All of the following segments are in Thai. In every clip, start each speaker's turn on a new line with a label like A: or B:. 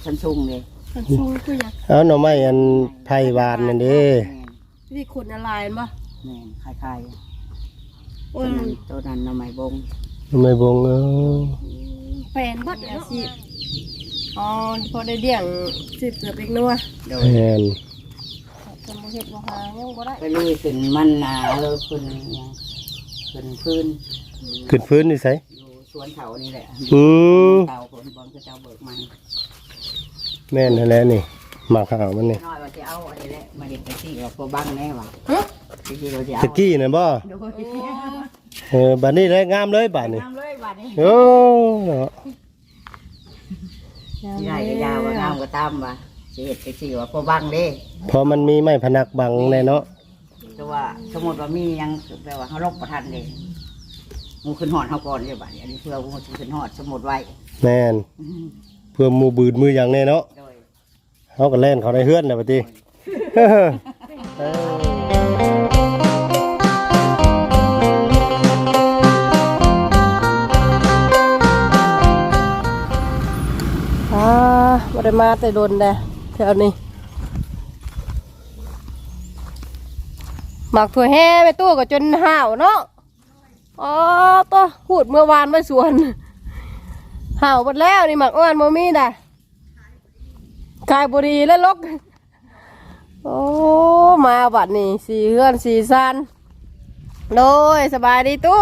A: ชั้นสูงเลย
B: ชั้นสูงคือหยัง
C: เอาหน่อไม้อันไผ่หวานนั่นเด้
B: นี่ขนอะไรบ่
A: แม่นคล้ายๆ
B: โอ้ย
A: ตัวนั้นหน่อไม้บง
C: หน่อไม้บง
B: แฟนเบิดอาชีพอ๋อพอได้เลี้ยงสิเกือบเล็กนัว
A: โดย
C: แม่น
B: จะมาเฮ็ดบ่หายังบ่ได้
A: ก็ลุยขึ้นมันขึ้นยังขึ้นพื้น
C: ขึ้นฟื้นนี่ไส
A: อยู่สวนเขานี่แหละ
C: อืม
A: เตาคนบอลก็จะเอาเบิกมัน
C: แม่นนั่นแหละนี่หมากขาวมันนี่
A: น้อยว่าจะเอาอะไรแหละมาเห็นไปที่เราโคบังแน่ว่ะที่เราจะเอา
C: ตะกี้น่ะบ่
A: โดย
C: บัดนี้ได้งามเลยบัดนี้
A: น้ำเลยบาดนี้
C: โอ้เนาะ
A: ใหญ่ก็ยาวว่างามก็ตามว่ะสิเห็ดไปที่ว่าโคบังเด้
C: เพราะมันมีไม้พนักบังแน่เนาะ
A: แต่ว่าสมมติว่ามียังแปลว่าเขาลบประทันเลยงูขึ้นหอดเขาก่อนเลยบาดนี้อันนี้เพื่องูขึ้นหอดสมมติไว้
C: แม่นเพื่อหมู่บืนมือหยังแน่เนาะ
A: โดย
C: เฮาก็แล่นเขาได้เฮือนน่ะบัดนี้
B: บ่ได้มาแต่โดนแดแถวนี้หมักถั่วแห่ไปตู้ก็จนห่าวเนาะอ๋อตัวพูดเมื่อวานไม่สวนห่าวหมดแล้วนี่หมักอ้วนโมมี่ด่ะกายบุรีและลกโอ้มาบัดนี่สีเฮือนสีซันโดยสบายดีตู้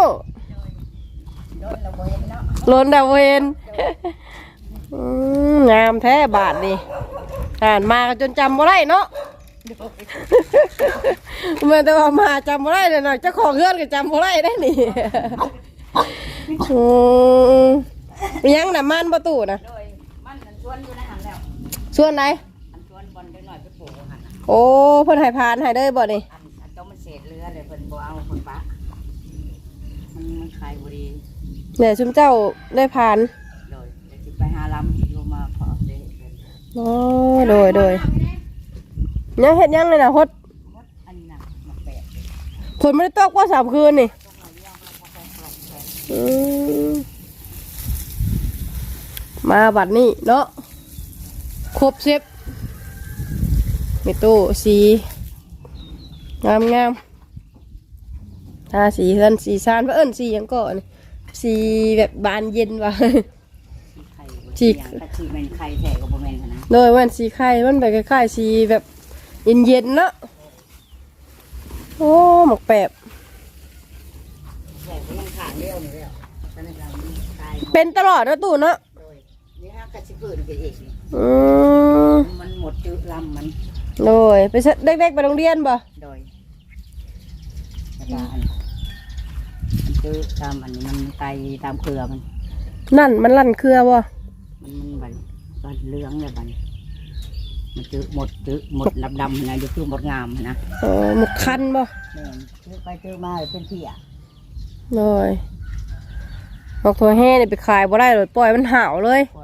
B: ล้นดาวเวนงามแท้บาทนี่อ่านมาจนจำบ่ได้เนาะเมื่อแต่ว่ามาจำบ่ได้เลยเนาะเจ้าของเฮือนก็จำบ่ได้ได้นี่ยังน่ะมันประตูนะ
A: โดยมันชวนอยู่ในหันแล้ว
B: ส่วนไหน
A: อันชวนบอลเล็กหน่อยไปปลูกหัน
B: โอ้เพิ่นให้พานให้ได้บ่นี่
A: อันต้องมันเศษเรือเลยเพิ่นบ่เอาคนปะมันขายบุรี
B: เนี่ยชุมเจ้าได้พาน
A: โดยจะไปหาลำลงมาขอเด้
B: โอ้โดยยังเฮ็ดยังเลยนะฮด
A: อันนี้นะมาแปะ
B: ฝนไม่ได้ตกว่า3 คืนนี่มาบัดนี้เนาะครบ10มีตู้สีงามทาสีเฮือนสีซานว่าเอิ้นสีหยังก่อนสีแบบบานเย็นว่ะ
A: ไข่ฉีกฉีกเป็นไข่แท้ก็บ่แม่นนะ
B: โดยมันสีไข่มันแบบคล้ายๆสีแบบเย็นๆเนาะโอ้หมกแปบ
A: แท้ก็ยังขาดเลี้ยวนี่แล้วตอนนั้นเราตาย
B: เป็นตลอดนะตู่เนาะ
A: โดยนี่ฮะกระชิบเกิดไปอีกนี่
B: ม
A: มันหมดจืดลำมัน
B: โดยไปเด็กๆไปโรงเรียนบ่
A: โดยอาจารย์มันจืดตามอันนี้มันไตตามเครือมัน
B: นั่นมันลั่นเครือบ่
A: มันบันเหลืองเลยบันมันจืดหมดดำๆนะอยู่คือหมดงามนะ
B: หมกคันบ่
A: แม่นจืดไปจืดมาเป็นเพี้ย
B: โดยหมกถั่วแห้นี่ไปขายบ่ได้เลยปล่อยมันห่าวเลย
A: ปล่อย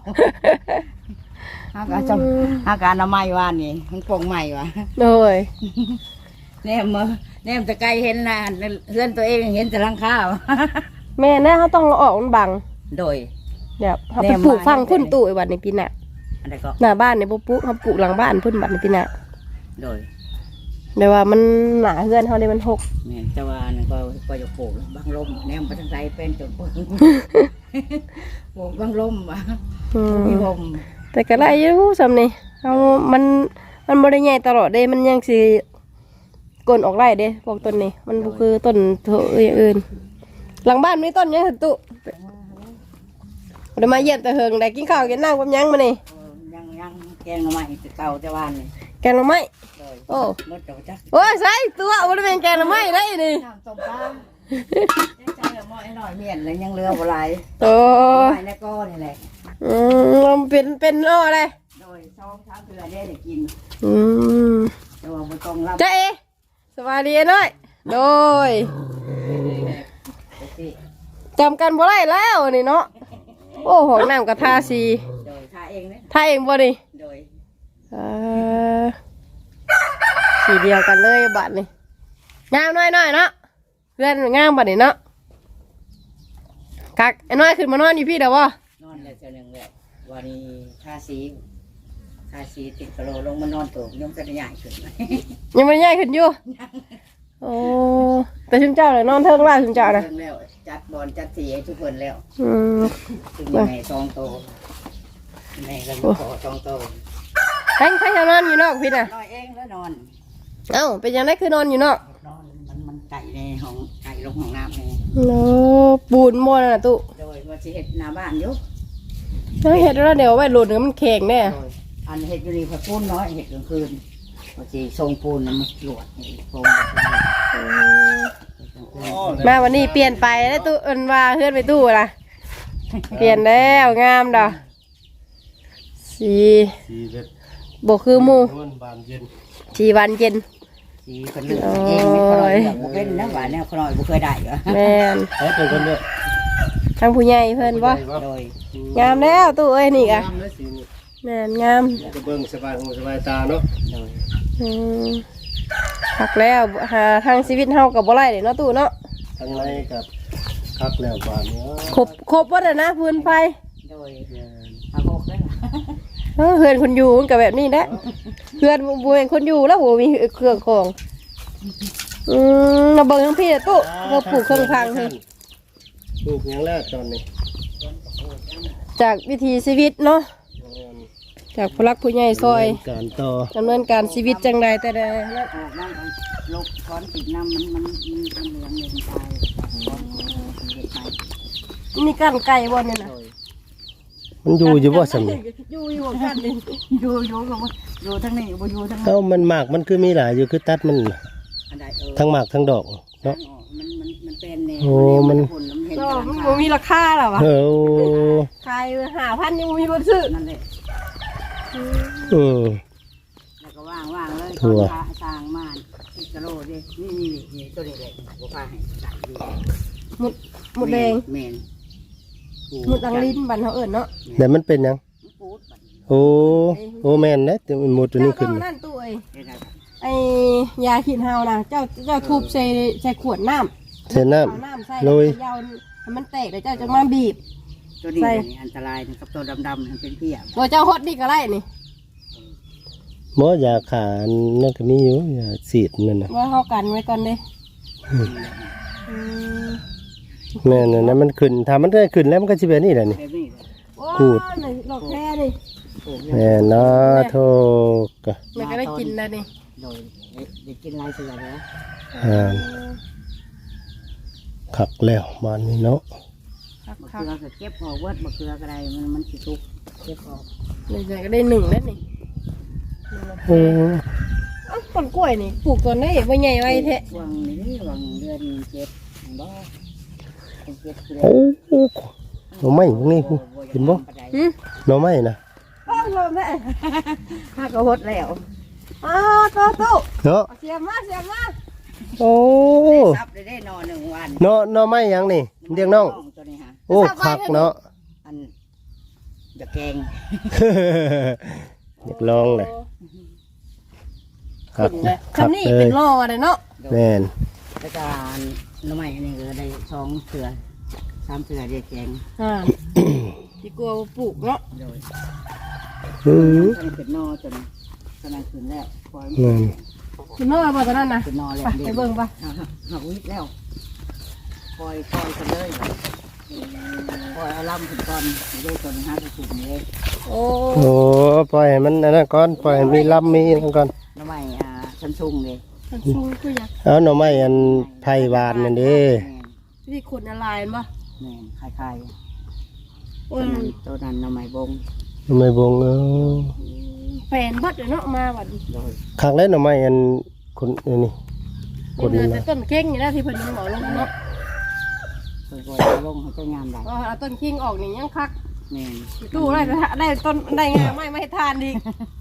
A: เอาอาการเอาไม้วานนี่มันปงใหม่วะ
B: โดย
A: แนมตะไกเห็นนะเพื่อนตัวเองเห็นแต่หลังข้าว
B: แม่นะเขาต้องเอาออกมันบัง
A: โดย
B: เดี๋ยวเขาไปปลูกฟังพุ่นตู่ไอ้บัดในปีหน้า
A: อะไรก็
B: หน้าบ้านนี่บ่ปลูกเขาปลูกหลังบ้านพุ่นบัดในปีหน้า
A: โดย
B: เดี๋ยวว่ามันหนาเฮือนเขาได้มันหก
A: แม่นแต่ว่านั่นก็จะปลูกบางลมแนมไปทางใดเป็นจนปลูกปลูกบางลมวะ มีลม
B: แต่ก็ได้อยู่สำนี่เอามันบ่ได้ใหญ่ตลอดเด้มันยังสิกลนออกไร่เด้พวกต้นนี้มันบ่คือต้นเถอะอย่างอื่นหลังบ้านมีต้นหยังหั่นตุเดี๋ยวมาเยี่ยมแต่เฮิงได้กินข้าวกินน้ำกับหยังมานี่
A: ยังแกงหน่อไม้เก่าแต่วันนี่
B: แกงหน่อไม้
A: โดย
B: โอ้
A: มดเจ้าจัก
B: โอ้ยใส่ตัวบ่ได้เป็นแกงหน่อไม้ได้นี่
A: น้ำต้มปลาใจละม้อยหน่อยเมียนเลยยังเรือบ่หลาย
B: โอ้
A: ไม้ในก้อนี่แหละ
B: มันเป็นอ้ออะไร
A: โดยช่องช้างเถื่อได้กิน
B: อืม
A: แต่ว่าบ่ต้องรับ
B: เจ๊เอสวัสดีน้อยโดยจำกันบ่ได้แล้วนี่เนาะโอ้ห้องน้ำกับทาสี
A: โดยทาเองเนี่ย
B: ทาเองบ่นี่
A: โดย
B: สีเดียวกันเลยบัดนี่งามน้อยเนาะเพื่อนงามบัดนี่เนาะกักไอ้น้อยขึ้นมานอนอยู่พี่เด้อวะ
A: นอนเลยเจ้าหนึ่งเลยบวันนี้ทาสีติดกะโหลลงมานอนโตกยมจะใหญ่ขึ้นไหม
B: ยังไม่ใหญ่ขึ้นอยู่โอ้แต่ชุนเจ้าเลยนอนเทิงล่าชุนเจ้านะ
A: เรื่องแล้วจัดบอลจัดสีให้ทุกคนแล้ว
B: อืม
A: ถึงแม่ซองโตแม่ก็ขอซองโต
B: ใครจะนอนอยู่นอกพี่น่ะ
A: นอนเองแล้วนอน
B: เอ้าเป็นยังไงคือนอนอยู่นอก
A: นอนมันไก่ในห้องไก่ลงห้องน้ำนี่
B: โอ้ปูนโมนน่ะตุ
A: โดยว่าจะเห็ดหน้าบ้านอยู่
B: เห็ดแล้วเดี๋ยวไว้หลุดเดี๋ยวมันแข็งแน่
A: โดยอันเห็ดอยู่นี่พอปูนน้อยเห็ดกลางคืนว่าจะทรงปูนมันหลวดนี่โครงแบบนี้
B: มาวันนี้เปลี่ยนไปแล้วตู้เอินว่าเฮือนไปตู้ล่ะเปลี่ยนแล้วงามดอกสี
C: สีเด็ด
B: บกคือหมู
C: นวลบานเย็น
B: สีวันเย็น
A: สีคนเลือกเองไม่คลอยเลือกบ่เป็นนะว่าแนวคลอยบ่เคยได้เหรอ
B: แม่น
C: เฮ้ยเป็นคนเลือก
B: ทางผู้ใหญ่เพิ่นบ่
A: โดย
B: งามแล้วตู้เอ้ยนี่กะ
C: งามเลยสีนี่
B: แม่นงาม
C: จะเบิ่งสบายหูสบายตาเนาะ
A: โดย
B: อืมพักแล้วหาทางชีวิตเฮากับบ่ไรเด้เนาะตู้เนาะ
C: ทั้งในกับคักแล้วบานเนี้ย
B: ครบบ่ได้นะพื้นไฟ
A: โดยอาโกได้ล่ะ
B: เฮือนคนอยู่มันก็แบบนี้แหละเฮือนบ่เป็นคนอยู่แล้วบ่มีเครื่องของมาเบิ่งทั้งพี่อะตู้มาปลูกเครื่องพังให้
C: ปลูกอย่างแรกตอนนี้
B: จากวิถีชีวิตเนาะจากผู้รักผู้ใหญ่ซอย
C: การต่อ
B: ดำเนินการชีวิตจังใดแต่ใดนะ
A: ออกบ้านลบค้อนติดน้ำมันเหลืองเงินตายค้อนเด็กไป
B: นี่กั้นไก่บ่เนี่ยนะ
A: โดย
C: มันอยู่อยู่บ่สำนี่
B: อยู่อยู่กันนี่
A: อยู่กับว่าอยู่ทั้งนี้บ่อยู่ทั้งนั้น
C: เอ้ามันหมากมันคือมีหลายอยู่คือตัดมัน
A: อันใด
C: ทั้งหมากทั้งดอกเนาะ
A: มันเป็นแนว
C: โอ้มัน
A: ผลเห็น
B: ก็
A: กำลัง
B: มัน
A: ขา
B: บ่มีราคาหรอวะ
C: เออ
B: ขาย5,000ยังบ่มีคนซื้อ
A: นั่นแหละ
C: อืม
A: แล้วก็ว่างเลย
C: ถั่ว
A: ตอนสร้างม่านที่กะโหลดินี่ตัวนี้เลยบ่พาให้ใส่อยู่
B: หมดแดง
A: แม่น
B: หมดอังลิ้นบันเฮาเอิ้นเนาะ
C: แต่มันเป็นหยัง
A: ปูดบัดนี้
C: โอ้โอ้แม่นนะแต่มันหมดตัวนี้ขึ้น
B: เจ้านั่นตู้เอ้ย
A: เฮ็ดได้
B: ไอ้ยาขีดเฮานะเจ้าทุบใส่ขวดน้ำ
C: ใส่น้
B: เอาน้ำใส่
C: โรย
B: ยาวให้มันแตกแล้วเจ้าจะมาบีบ
A: ตัวนี้
B: ใส่
A: นี่อันตรายนะครับตัวดำๆมันเป็นเพี้ย
B: โดยเจ้าฮดนี่ก็ได้นี่
C: ำหมอยาขานั่นก็มีอยู่ยาสีดนั่นน่ะ
B: ว่าเฮากันไว้ก่อนเด้อืม
C: แม่นนะมันขึ้นถ้ามันได้ขึ้นแล้วมันก็สิเป็นนี่แหละนี่
A: แบบนี้เลย
B: โอ้
C: กูด
B: นี่ดอกแค่นี่
A: ปลูก
C: แม่นนะโทกะ
B: มันก็ได้กินแล้วนี่
A: โดยได้กินลายเสือแล้ว
C: อ่าขักแล้วบ้านนี้เนาะ
B: ครับ
A: มะ
B: ครั
A: เขือก็เก็บออกเวิร์ดมะเขือก็ได้มันสิทุกเก็บออก
B: นี่ก็ได้หนึ่งแล้วนี่
C: โอ้
B: เอ้าต้นกล้วยนี่ปลูกต้นได้บ่ใหญ่ไว้แท้
A: วังนี้วังเดือนเจ็ดบ่เจ็ดคือ
C: โอ้หน่อไม้พวกนี้เห็นบ่
B: หึ
C: หน่อไม้นะ
B: อ้าวลมได้
A: ถ้าก็หดแล้ว
B: อ้าวโต
C: เนาะ
B: เสียมา
C: โอ้
A: ซับได้นอน1 วัน
C: เนาะหน่อไม้หยังนี่เรียกน้อง
A: ตัวนี้ฮะ
C: โอ้ขักเนาะ
A: อันจะแกง
C: อยากลองเลยขัก
B: คำนี้เป็นล่อเลยเนาะ
C: แม่น
A: แล้วก็น้ำใหม่อันนี้ก็ได้2เสือ3เสือได้แกง
B: อ่าที่กลัวว่าปลูกเนาะ
A: โดย
C: อือ
A: ตอนนี้เป็นนอจนกำลังขึ้นแล้วปล่อย
C: แม่น
B: คุณน้อยบ่ตอนนั้นนะ
A: เป็นนอแล้ว
B: ไปเบิ่งปะ
A: หักวิทย์แล้วปล่อยกันเลยปล่อยเอาลำขึ้นก่อนด้วยตัวนี้5ถุงเลย
B: โอ้
C: โอ้ปล่อยให้มันอันนั้นก่อนปล่อยให้มีลำมีนั่นก่อน
A: น้ำใหม่ชั้นชุ่มเลย
B: มันชูคืออยาก
C: เอาหน่อไม้อันไผ่หวานนั่นเด้
B: ที่ขุดอะไรบ่
A: แม่คล้าย
B: โอ้ย
A: ๆตัวนั้นน้ำใหม่บง
C: หน่อไม้บงเออ
B: แฟนเบัดเลยเนาะมาบัดนี้
A: โดย
C: ขักแล้วหน่อไม้อันคนอันนี้
B: นี่เหลือแต่ต้นเข่งอยู่นะที่เพิ่นยังบอกลงเนาะ
A: ปล่อยลงให้เจ้างามได้
B: เอาต้นขิงออกนี่ยังคัก
A: แม่
B: ตู้ได้ต้นได้งาไม่ให้ทานอีก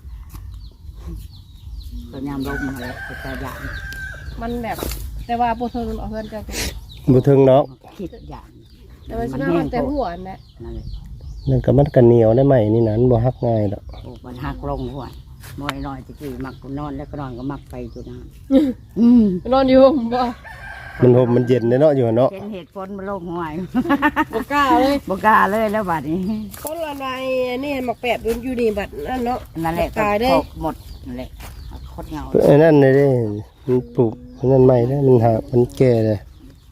A: ตัวยามลงมาแล้วจะอย่าง
B: มันแบบแต่ว่าบ่ทนเอาเพิ่นจะ
C: บ่ถึงเนาะ
A: คิดอย่าง
B: แต่ว่าสิมามันแต่หัวนั่นแหละ
A: นั่นเลย
C: นั่นก็มันก็เหนียวได้ไหมนี่นั้นบ่ฮักง่ายดอก
A: โอ้มันหักลงหัวมอยน้อยตะกี้มักนอนแล้วก็นอนก็มักไปจุดนั้น
B: นอนอยู่บ่
A: พ
C: มันห่มมันเย็นเนาะอยู่เนาะ
A: เห็นเหตุผลมันโลกห่วย
B: บ่กล้าเลย
A: บกล้าเลยแล้วบัดนี้
B: คนละนายนี่หมักแปดอยู่นี่บัดนั่นเนาะ
A: นั่นแหละ
B: ตายได้
A: ครบหมดนั่นแหละโคตรเหงา
C: ไอ้นั่นเลยเด้มันปลูกอันนั่นใหม่แล้วมันหักมันแก่เลย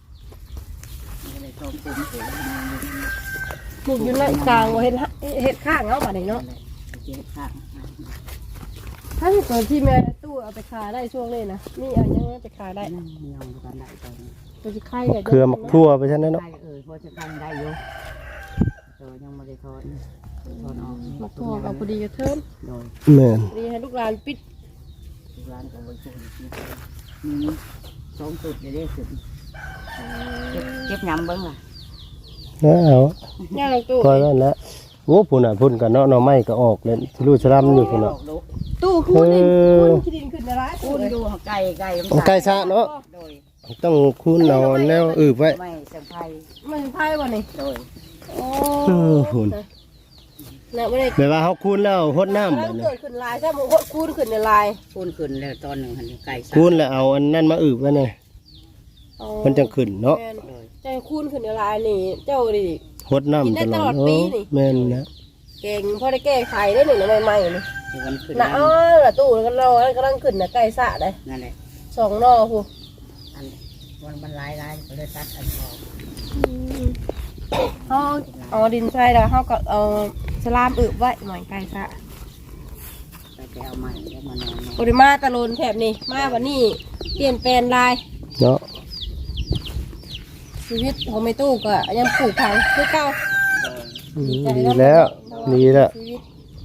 B: ปลูกอยู่ในกลางว่าเฮ็ดข้างเนาะบัดนี้เนาะ
A: เจ็บข้าง
B: ถ้าตอนที่แม่ตู้เอาไปขายได้ช่วงนี้นะนี่เอายังไปขายได้
A: นั่งยองกันได้ตอนนี้
B: ตัวสิไข่
C: เครือมักทั่วไปซั่นเนาะ
A: ได้พอจะกันได้อยู่แต่ยังไม่ได้ถอนออก
B: มักทองเอาพอดีกับเทิม
A: โดย
C: แม่น
B: ดีให้ลูกหลานปิด
A: ร้านกับบริษัทมีสองจุดจะได้สุดเก็บยำเบิ้งล่ะ
C: เอา
B: ย่าลงตู้
C: ก็นั่นแหละโอ้พุ่นน่ะพุ่นกันเนาะหน่อไม้ก็ออกเลยสิรู้สลัมอยู่พุ่นน่ะ
B: ตู้คูนขี้ดินขึ้นอะไร
A: คูนอยู่ไก่ไก่
C: ไก่ซะเนาะ
A: โดย
C: ต้องคูนนอนแนวไว้
A: ไม่เสียงไฟ
B: มันไพ่บ่นี่
A: โดย
B: โอ้
C: พุ่น
B: น่ะบ่ได้
C: แปลว่าเฮาคูนแล้วหดน้ำ
B: แล้
C: บั
B: ว
C: ดนี้
B: เกิดขึ้นลายใช่มั้ยคูนขึ้นในลาย
A: คูนขึ้นแล้วตอนหนึ่งหันไก่
C: คูนแล้วเอาอันนั้นมาไว้เนี่ยมันจังขึ้นเนาะ
B: ใจคูนขึ้นในลายนี่เจ้าดิ
C: หดน้ำ
B: กินได้
C: ต
B: ต
C: ล
B: ล
C: อ
B: อ
C: ด
B: ดปีนี่
C: แม่นนะ
B: เก่งพอได้แก้ไขได้หนึ่งใหม่ๆนี่
A: มันขึ้น
B: น่ะอ๋อละตู้กันรอกำลังขึ้นน่ะไก่สะได้
A: นั่นแหละ
B: 2นอพู
A: อันมันลายก็เลยตัดอันออก
B: เฮาเอาดินใส่แล้วเฮาก็เอาสลามอึบไว้หน่อยไก่สะ
A: ไปเอาใหม่แล้วมานอน
B: ปริมาตะโลนแถบนี้มาวันนี้เปลี่ยนแปลงลาย
C: เนาะ
B: ชีวิตของแม่ตู้ก็ยังปลูกผักคือเก่า
C: ดีแล้วดีแล้ว
B: ชีวิต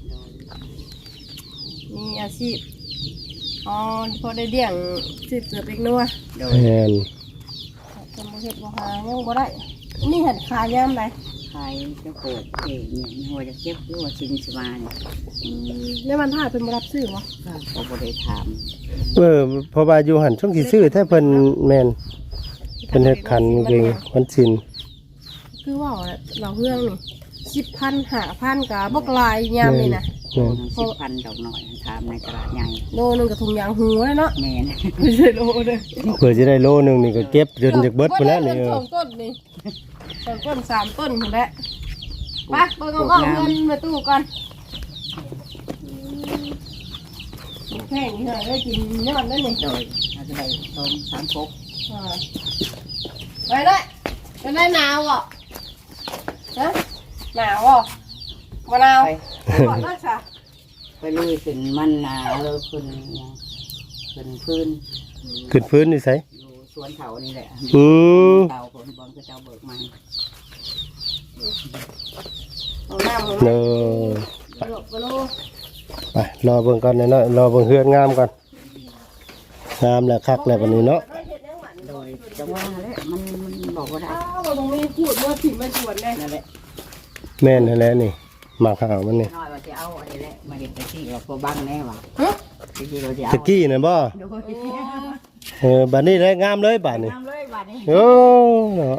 B: มีอาชีพอ๋อพอได้เลี้ยงสืบเสือเป็กนัว
A: โดย
C: แม่น
B: จะมาเห็ดบ่หายังบ่ได้นี่เห็ดขายย่ำไร
A: ขายจะปลูกเองเนี่ยหัวจะเก็บหรือว่าชินสมาเนี่ย
B: แล้วมันถ่ายเป็นบ่รับซื้อวะ
A: ก็บริถาม
C: เพราะว่าอยู่หันช่วงสิซื้อแท้เพิ่นแม่นเพิ่นเฮ็ดคันเก่งมันชิน
B: คือว่าเราเรื่องนี่10,000 5,000กับบกลายย่ำนี่นะ
A: โลนึง10,000ดอกหน่อยถามในตลาดใหญ่
B: โลนึงกับถุงยางหูเลยเนาะ
A: แม่น
B: ไม่ใช่โลเด้อ
C: เพื่อจะได้โลนึงนี่ก็เก็บจนจากเบิดไปแล้วนี่
B: สองต้นนี่2 ต้น 3 ต้นพุ่นแหละไปเบิ่งเอาเงินมาตู้ก่อนแค่นี้เลยได้กินยอดแล้วนี่
A: โดยอาจจะได้ตรง3 6
B: ไปเลยไปได้หนาวอ่ะฮะหนาวอ่ะมะนาว
A: ไป
B: ก่อนนะจ๊ะ
A: ไปลุยขึ้นมันขึ้นขึ้นพื้น
C: ขึ้นพื้นนี่ไส
A: อยู่สวนเขานี่แหละ
C: อืม
A: เตาคนบอลก็เจ้าเบิกมา
B: เอาน้ำ
C: เออ
B: มาลูกมาลูก
C: ไปรอเบิ่งก่อนเนาะรอเบิ่งเฮือนงามก่อนงามแล้วคักแล้วบัดนี้เนาะ
A: โดยจังว่าแหละมันบอกว่าได้
B: อ้าวมันมีพูดว่าถิ่นมาชวนไง
A: นั่นแหละ
C: แม่นนั่นแหละนี่หมากขาวมันนี่
A: น้อยว่าจะเอาอะไรแหละมาเห็นไปที่เราพอบังแน่ว่ะ
B: ฮะ
A: ที่เราจะเอา
C: ตะกี้น่ะบ่
A: โดย
C: บัดนี้ได้งามเลยบัดนี้
A: น้ำเลยบาดนี้
C: โอ้เนาะ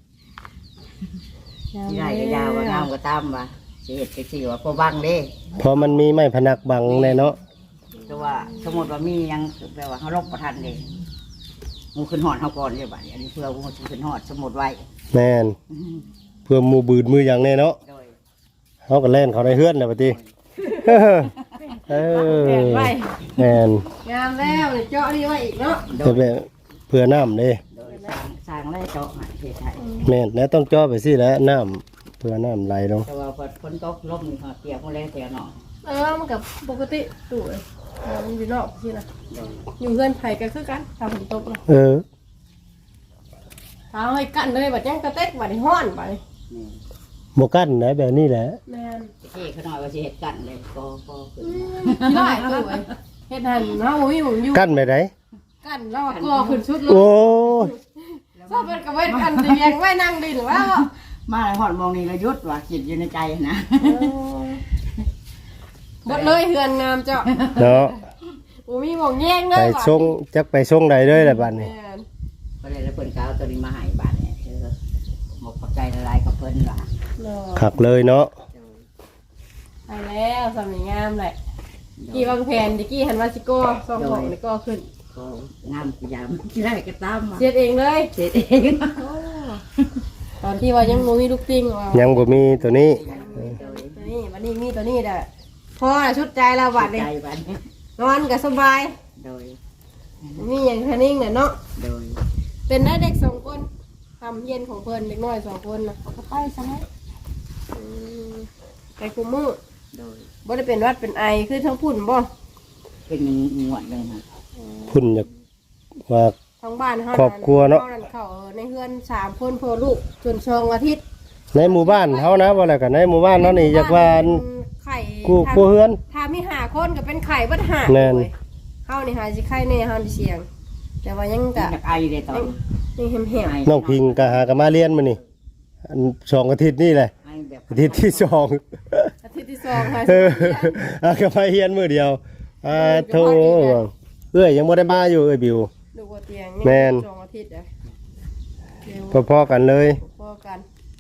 A: ใหญ่ก็ยาวว่าน้ำก็ตามว่ะสิเห็ดไปที่ว่าพอบังเด้
C: พอมันมีไม้พนักบังแน่เนาะ
A: แต่ว่าสมมติว่ามียังแปลว่าเขาลบประทันเด้งูขึ้นหอดเขาก่อนเลยบาดนี้อันนี้เพื่องูขึ้นหอดสมมติไว้
C: แม่นเพื่อหมู่บืดมืออย่างแน่เนาะ
A: โดย
C: เฮาก็เล่นเขาได้เฮือนแล้วบัดนี้เออแม่น
B: งามแล้วเจาะนี่ไว้อีกเนาะ
A: โด
C: แต่
A: ย
C: แบบเพื่อน้ำเด้
A: โดยสร้างแล้วเจาะหาเทไทย
C: แม่นแล้วต้องจ่อไปสิแล้วน้ำเพื่อน้ำไหลลง
A: แต่ว่าฝนตกลมนี่เขาเตียกมาแล้วเตียกหนอ
B: มันกับปกติตู้มันอยู่นอกสินะ
A: โดย
B: อยู่เพื่อนไผ่กันคือกันทำฝนตกนะ
C: เออ
B: เอาให้กันเลยบัดยังกระเต็กบัดนี้ฮ้อนบัดนี้
A: นี่
C: บ่กั้นนะแบบนี้แหละ
B: แม่น
A: ที่เขาหน่อยว่าสิเห็ดกันเลยก็ขึ้น
B: ได้ตู้เฮ็ดหันเฮาบ่มีหมุนอยู่
C: กั้นไปไหน
B: กันแล้วก็ขึ้นชุดเลย
C: โอ้ย
B: ชอบเป็นกระเว้นกันเตียงไว้นั่งดินแล้ว
A: มาหอดมองนี่ก็ยุดว่ะคิดอยู่ในใจนะ
B: หมดเลยเฮือนงามเจ้า
C: เนาะ
B: โอ้มีหมองแย่งเล
C: ไป
B: ย
C: ส่งจักไปส่งใดเลยแหละบัดนี้
A: ก็เลยแล้วเพิ่นก็เอาตัวนี้มาให้บาทเนี่ยคือหมกปักใจละลายกับเพิ่นว่ะ
C: ขักเลยเนาะ
B: ไปแล้วสำนีงามแหละกี่วางแผนดิกี้หันว่าสิโก้สองของนี่ก็ขึ้น
A: ก็งามพยายามที่ได้ก็ตามมา
B: เสียดเองเลย
A: เสร็จเอง
B: ตอนที่ว่ายังบ่มีลูกปิ้งว่า
C: ยังบ่มีตัวนี้
B: ตัวนี้วันนี้มีตัวนี้แหละพอละชุดใจแล้วบัดนี้
A: ใจวัน
B: นอนก็สบาย
A: โดย
B: มีอย่างแค่นิ่งเนี่ยเนาะ
A: โดย
B: เป็นได้เด็กสองคนทำเย็นของเพิ่นเด็กน้อย2คนนะเขาก็ไปซะแล้วไปคุมมือ
A: โดย
B: บ่ได้เป็นหวัดเป็นไอคือทั้งพุ่นบ่
A: เป็นงวดเลยนะ
C: คุณอยากว่า
B: ทั้งบ้านเฮา
C: ครอบครัวเนาะ
B: เขาในเฮือน3คนพ่อลูกจน2อาทิตย์
C: ในหมู่บ้านเฮานะว่าแล้วกันในหมู่บ้านเนาะนี่อยากว่า
B: ไข่
C: กูเฮือน
B: ถ้ามี5คนก็เป็นไข่เบิดห้า
C: แม่น
B: เลยเฮานี่หาสิไข่แน่เฮาสิเสียง แต่ว่ายังก็
A: อยากไอเลยตอน
B: ยังแหม
C: น้องพิงก็หากันมาเรียนมื้อนี่อัน2อาทิตย์นี่แหละ
A: ไอแบบ
C: อาทิตย์ที่2
B: ๆอาทิตย์ที่2ค่ะ
C: เออหากันมาเรียนมื้อเดียวโธ่เอ้ยยังบ่ได้มาอยู่เอ้ยบิว
B: ดูว่าเตียง
C: แม่น
B: 2อาทิตย์อ่ะเร็ว
C: พอๆกันเลย
B: พอกัน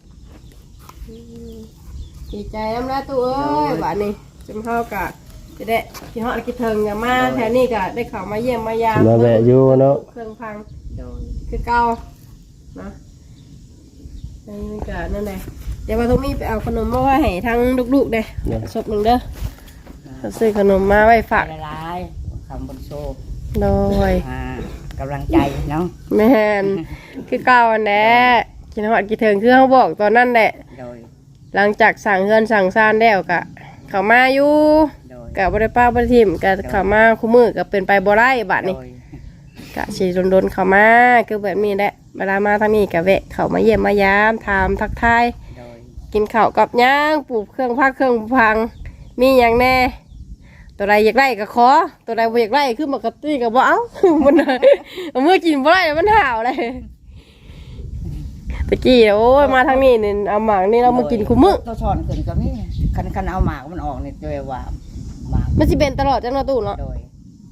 B: ดีใจน้ำละตัวเอ้ยบ้านนี้จำเฮากะจะได้ที่ฮอดกิเทิงอย่ามาแถวนี้กะได้เข้ามาเยี่ยมมายาม
C: มาแวะอยู่เนาะ
B: เครื่องพัง
A: โดย
B: คือเก่านะนี่กะนั่นแหละเดี๋ยวมาทุกมีไปเอาขนมมาไว้ให้ทั้งลูกๆเด้ศพหนึ่งเด้อซื้อขนมมาไว้ฝาก
A: ละลายคำบนโซ่
B: โดย
A: กำลังใจเนาะ
B: แม่นคือเก่าอันแหละกินฮอดกิเทิงคือเขาบอกตอนนั้นแหละ
A: โดย
B: หลังจากสั่งเฮือนสั่งซ่านแล้วกะเขามาอยู่
A: โดย
B: กะบ่ได้ป้าบ่ได้ทิมกะเขามาคู่มือก็เป็นไปบ่ได้บัดนี้
A: โดย
B: กะสิโดนๆเขามาคือแบบนี้แหละเวลามาทางนี้กะแวะเข้ามาเยี่ยมมายามถามทักทาย
A: โดย
B: กินข้าวกับย่างปลูกเครื่องพักเครื่องพังมีหยังแน่ตัวใดอยากได้ก็ขอตัวใดบ่อยากได้คือปกติก็บ่เอา มันเอามื่อกินบ่ได้มันห่าวเลยตะกี้โอ้ยมาทางนี้นี่เอาหมากนี่เรามากินคู่มื้อ
A: ตัวช้อนขึ้นก็มีคันเอาหมากมันออกนี่ด้วยว่าหมาก
B: มันสิเป็นตลอดจังเนาะตู้เนาะ
A: โดย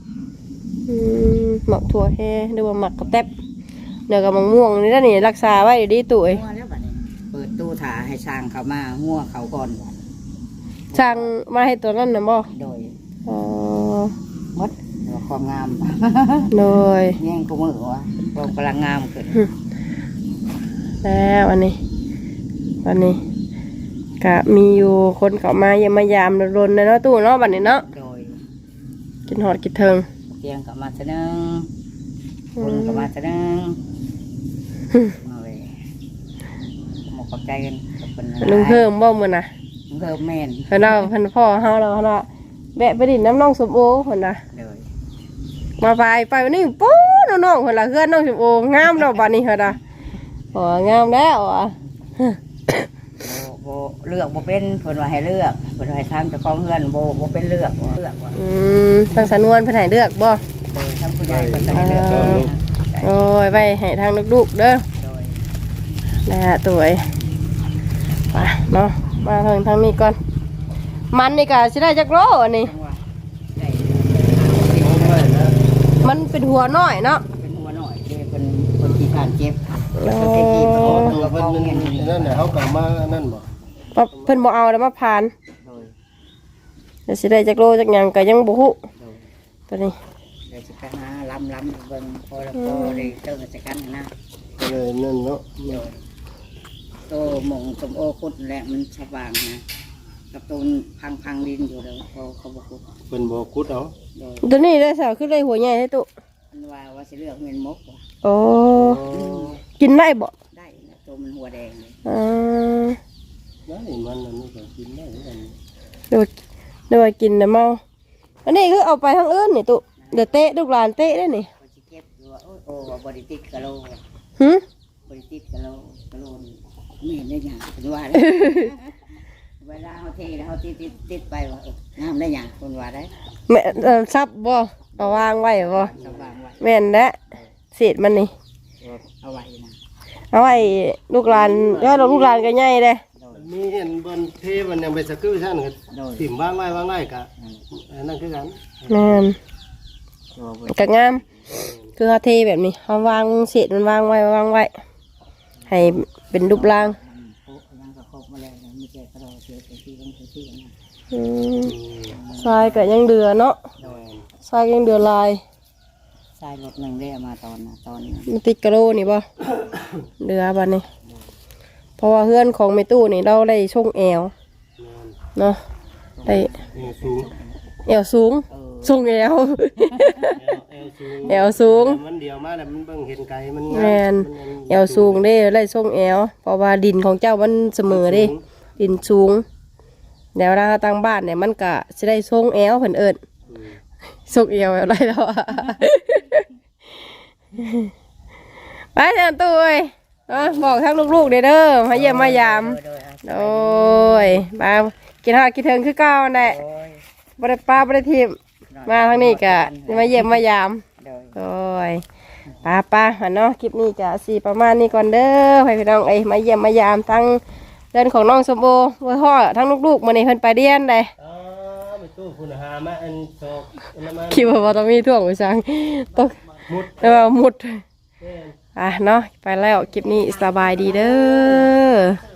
B: หมักถั่วแห้หรือว่าหมักกระแตบเดี๋ยวกับมะม่วงนี่แล้วนี่รักษาไว้ดีตู้เอ้ย
A: หัวแล้วบัดนี้เปิดตู้ถาให้ช่างเขามาหัวเขาก่อนบัด
B: ช่างมาให้ตัวนั้นน่ะบ่
A: โดย
B: อ๋อ
A: มดเดี๋ยวความงาม
B: โดย
A: แย่งกูมือวะความกำลังงามขึ้น
B: แล้ววันนี้ก็มีอยู่คนเข้ามาเยี่ยมมายามรนๆเนาะตู้เนาะบัดนี้เนาะ
A: โดย
B: กินหอดกินเทิง
A: เตียงกับมาเสนงคุณกับมาเสนงเอาไว้หมกขอบใจกันกับคน
B: ลุงเพิ่มบ่มื้อน่ะ
A: ลุงเพิ่มแม่น
B: เพิ่นเอาเพิ่นพ่อเฮาแล้วเพิ่นว่าแวะไปดินน้ำน้องสมโอเพิ่นน่ะ
A: โดย
B: มาไปวันนี้ปู๊น้องๆเพิ่นล่ะเฮือนน้องสมโองามแล้วบัดนี้เพิ่นน่ะโอ้งามแล้วอ่ะ
A: โบเลือกโบเป็นเพิ่นว่าให้เลือกเพิ่นว่าให้ทำเจ้าของเงินโบเป็นเลือกว่ะว่ะ
B: ทางสำนวนเพิ่นให้เลือกบ่
A: โดยทำผู้ใหญ่เพิ่นจะให้เลือก
B: โอ้ยไว้ให้ทางลูกๆเด้อ
A: โดย
B: นะฮะตัวไอ้ไปเนาะมาทางนี้ก่อนมันนี่ก็สิได้จักโลอันนี้
A: จังหวะได้
B: มันเป็นหัวน้อยเนาะ
A: เป็นหัวหน่อยเด้เป็นคนที่ทานเจ็บ
B: โอ้
A: คนที่กีบ
C: อ๋อ
A: เอา
C: ตัวเพิ่นมันนั่นน่ะเฮาก็มานั่นบ่
B: เพิ่นบ่เอาแล้วมาผ่าน
A: โดย
B: เดี๋ยวสิได้จักโลจักหยังก็ยังบ่ฮู้
A: โดย
B: ตัวนี้
A: เดี๋ยวจะไปหาล้ำเบิ่งพอแล้วพอได้เติมจักกันนะ
C: ก็เลยนั่นเนาะ
A: โดยโตหมงสมโอคุดแหละมันสว่างนะกับตูนพังดินอยู่แล้วเขาบอกคุด
C: เพิ่นบ่ขุดเอา
A: โดย
B: ตัวนี้ได้สาวขึ้นได้หัวใหญ่ให้ตุ
A: มันว่าสิเลือกเงินมกว่ะ
B: โอ้กินได้บ่
A: ได้นะตัวมันหัวแดงเลย
B: อ่า
C: ได้มันอันนี้ก็กินได้เหมือนกัน
B: เดี๋ยวกินน่ะเมาอันนี้คือเอาไปทางอื่นนี่ตุเดี๋ยวเตะลูกหลานเตะได้นี่
A: คนที่เก็บอยู่ว่าโอ้บริติดกะโล
B: หึ
A: บริติดกะโลไม่เห็นได้หยังเป็นว่าเลยเวลาเขาเทแล้วเขาติดไปว่าน้ำได้หยังคนว่าได้
B: แม่ซับบ่เอาวางไว้บ่
A: สว่างไว้
B: แม่นและเศษมันนี่
A: เอาไว้นะ
B: เอาไว้ลูกหลานแล้วลูกหลานก็ใหญ่เด้
A: โดย
C: มีเห็นบนเทมันยังไปสกือซั่นก็
A: โดย
C: ถิ่มวางไว้ก็อันนั้นคือกัน
B: แม่น
A: ตัวบน
B: ก็งาม คือเขาเทแบบนี้เขาวางเศษมันวางไว้ให้เป็นรูปร่าง
A: โอ้ยังก็ครบมาแล้วมีแก่กระโดดเสียที่นะ
B: อืมทรายก็ยังเดือเนาะ
A: โดย
B: ทรายยังเดือลาย
A: สชายรถหนึ่งเรียมาตอนนี้
B: มันติดกะโหลนี่บ่ เรือบัดนี้เพราะว่าเพื่อนของแม่ตู้นี่เราได้ช่งแอวเนาะได้
C: สูง
B: แอวสูงช่งแอว แอวสูง
C: มันเดียวมาแล้วมันเบิ่งเห็นไกลมัน
B: แมนแอวสูงเด้ไล่ส่งแอวเพราะว่าดินของเจ้ามันเสมอเด้ดินสูงแล้วเราตั้งบ้านเนี่ยมันก็จะได้ส่งแอวเพิ่นเอิ้นส่งแอวอะไรแล้วอะ ไปเถอะตู้เอ้ยเนาะบอกทั้งลูกๆเด้อมาเยี่ยมมายามโอ้ยมากินข้าวกินเทิงคือเก่านั่นแหละบ่ได้ป้าบ่ได้ทิมมาทางนี้ก็มาเยี่ยมมายามโอ้ยป้าเนาะคลิปนี้ก็สิประมาณนี้ก่อนเด้อให้พี่น้องมาเยี่ยมมายามทั้งเดินของน้องสมโอว่าพ่อทั้งลูกๆมื้อนี้เพิ่นไปเรียนได้
C: ไปตู้คุณหามาอันโซกอันนั้น
B: คิดว่าต้องมีท่วงไปสั่งต้อง
C: มุด
B: มุดเนาะไปแล้วคลิปนี้สบายดีเด้อ